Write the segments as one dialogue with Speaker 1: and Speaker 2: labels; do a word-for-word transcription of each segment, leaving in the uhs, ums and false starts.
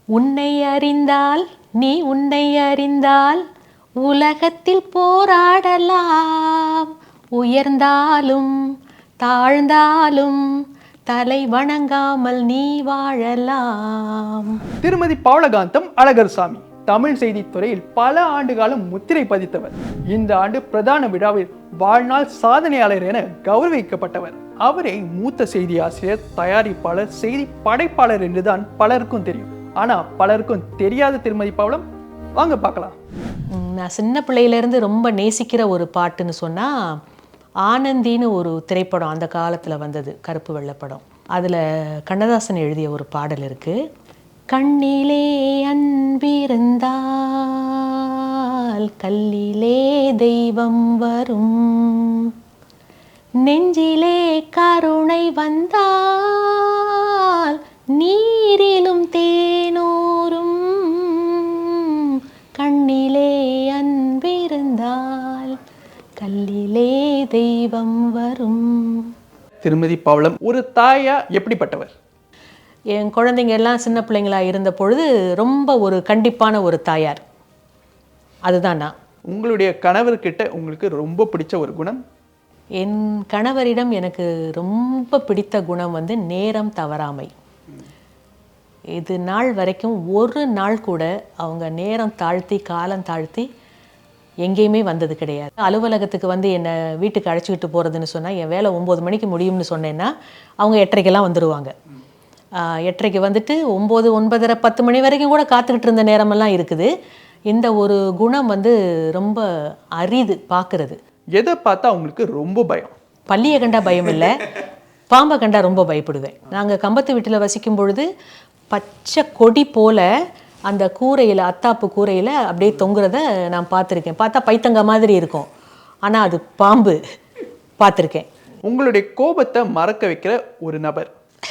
Speaker 1: உன்னை அறிந்தால் நீ உன்னை அறிந்தால் உலகத்தில் போராடலாம், உயர்ந்தாலும் தாழ்ந்தாலும் தலை வணங்காமல் நீ வாழலாம்.
Speaker 2: திருமதி பவளகாந்தம் அழகர்சாமி தமிழ் செய்தித்துறையில் பல ஆண்டு காலம் முத்திரை பதித்தவர். இந்த ஆண்டு பிரதான விழாவில் வாழ்நாள் சாதனையாளர் என கௌரவிக்கப்பட்டவர். அவரை மூத்த செய்தி ஆசிரியர், தயாரிப்பாளர், செய்தி படைப்பாளர் என்றுதான் பலருக்கும் தெரியும். ஆனா பலருக்கும் தெரியாத திருமதி பவளம் வாங்க பார்க்கலாம்.
Speaker 1: நான் சின்ன பிள்ளையிலேருந்து ரொம்ப நேசிக்கிற ஒரு பாட்டுன்னு சொன்னால் ஆனந்தின்னு ஒரு திரைப்படம் அந்த காலத்தில் வந்தது, கருப்பு வெள்ளைப்படம். அதில் கண்ணதாசன் எழுதிய ஒரு பாடல் இருக்குது. கண்ணிலே அன்பிருந்தால் கல்லிலே தெய்வம் வரும், நெஞ்சிலே கருணை வந்தால் நீரிலும் தேனூரும், கண்ணிலே அன்பிருந்தால் கல்லிலே தெய்வம் வரும்.
Speaker 2: திருமதி பவளம் ஒரு தாயா எப்படிப்பட்டவர்?
Speaker 1: என் குழந்தைங்க எல்லாம் சின்ன பிள்ளைங்களா இருந்த பொழுது ரொம்ப ஒரு கண்டிப்பான ஒரு தாயார். அதுதான் நான்.
Speaker 2: உங்களுடைய கணவர்கிட்ட உங்களுக்கு ரொம்ப பிடிச்ச ஒரு குணம்?
Speaker 1: என் கணவரிடம் எனக்கு ரொம்ப பிடித்த குணம் வந்து நேரம் தவறாமை. இது நாள் வரைக்கும் ஒரு நாள் கூட அவங்க நேரம் தாழ்த்தி காலம் தாழ்த்தி எங்கேயுமே வந்தது கிடையாது. அலுவலகத்துக்கு வந்து என்னை வீட்டுக்கு அழைச்சிக்கிட்டு போகிறதுன்னு சொன்னால் என் வேலை ஒம்பது மணிக்கு முடியும்னு சொன்னேன்னா அவங்க எட்டரைக்கெல்லாம் வந்துடுவாங்க. எட்டரைக்கு வந்துட்டு ஒம்பது ஒன்பதரை பத்து மணி வரைக்கும் கூட காத்துக்கிட்டு இருந்த நேரமெல்லாம் இருக்குது. இந்த ஒரு குணம் வந்து ரொம்ப அரிது பார்க்குறது.
Speaker 2: எதை பார்த்தா அவங்களுக்கு ரொம்ப பயம்?
Speaker 1: பள்ளியை கண்டா பயம் இல்லை, பாம்பை கண்டா ரொம்ப பயப்படுவேன். நாங்கள் கம்பத்து வீட்டில் வசிக்கும் பொழுது பச்சை கொடி போல் அந்த கூரையில், அத்தாப்பு கூரையில் அப்படியே தொங்குறத நான் பார்த்துருக்கேன். பார்த்தா பைத்தங்க மாதிரி இருக்கும், ஆனால் அது பாம்பு. பார்த்துருக்கேன்.
Speaker 2: உங்களுடைய கோபத்தை மறக்க வைக்கிற ஒரு நபர்?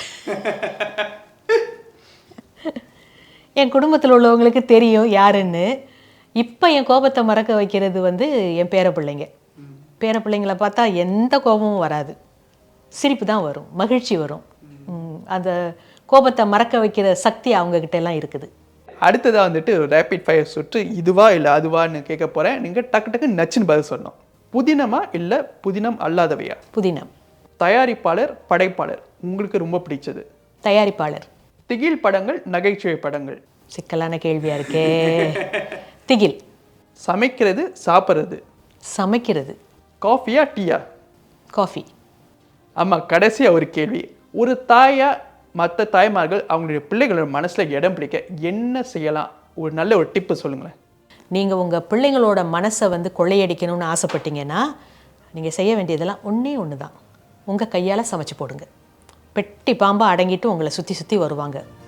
Speaker 1: என் குடும்பத்தில் உள்ளவங்களுக்கு தெரியும் யாருன்னு. இப்போ என் கோபத்தை மறக்க வைக்கிறது வந்து என் பேர பிள்ளைங்க. பேர பிள்ளைங்களை பார்த்தா எந்த கோபமும் வராது, சிரிப்பு தான் வரும், மகிழ்ச்சி வரும். அந்த கோபத்தை மறக்க வைக்கிற சக்தி அவங்கக்கிட்ட எல்லாம் இருக்குது.
Speaker 2: அடுத்ததாக வந்துட்டு ஒரு ரேபிட் ஃபயர் சுற்று, இதுவா இல்லை அதுவான்னு கேட்க போகிறேன். நீங்கள் டக்கு டக்கு நச்சுன்னு பதில் சொல்லணும். புதினமா இல்லை புதினம் அல்லாதவையா?
Speaker 1: புதினம்.
Speaker 2: தயாரிப்பாளர், படைப்பாளர் உங்களுக்கு ரொம்ப பிடிச்சது?
Speaker 1: தயாரிப்பாளர்.
Speaker 2: திகில் படங்கள், நகைச்சுவை படங்கள்?
Speaker 1: சிக்கலான கேள்வியாக இருக்கே. திகில்.
Speaker 2: சமைக்கிறது, சாப்பிட்றது?
Speaker 1: சமைக்கிறது.
Speaker 2: காஃபியா டீயா?
Speaker 1: காஃபி.
Speaker 2: ஆமாம், கடைசியாக ஒரு கேள்வி. ஒரு தாயா மற்ற தாய்மார்கள் அவங்களுடைய பிள்ளைகளோட மனசில் இடம் பிடிக்க என்ன செய்யலாம்? ஒரு நல்ல ஒரு டிப்பு சொல்லுங்களேன்.
Speaker 1: நீங்கள் உங்கள் பிள்ளைங்களோட மனசை வந்து கொள்ளையடிக்கணும்னு ஆசைப்பட்டீங்கன்னா நீங்கள் செய்ய வேண்டியதெல்லாம் ஒன்றே ஒன்று தான். உங்கள் கையால் சமைச்சு போடுங்க. பெட்டி பாம்பாக அடங்கிட்டு உங்களை சுற்றி சுற்றி வருவாங்க.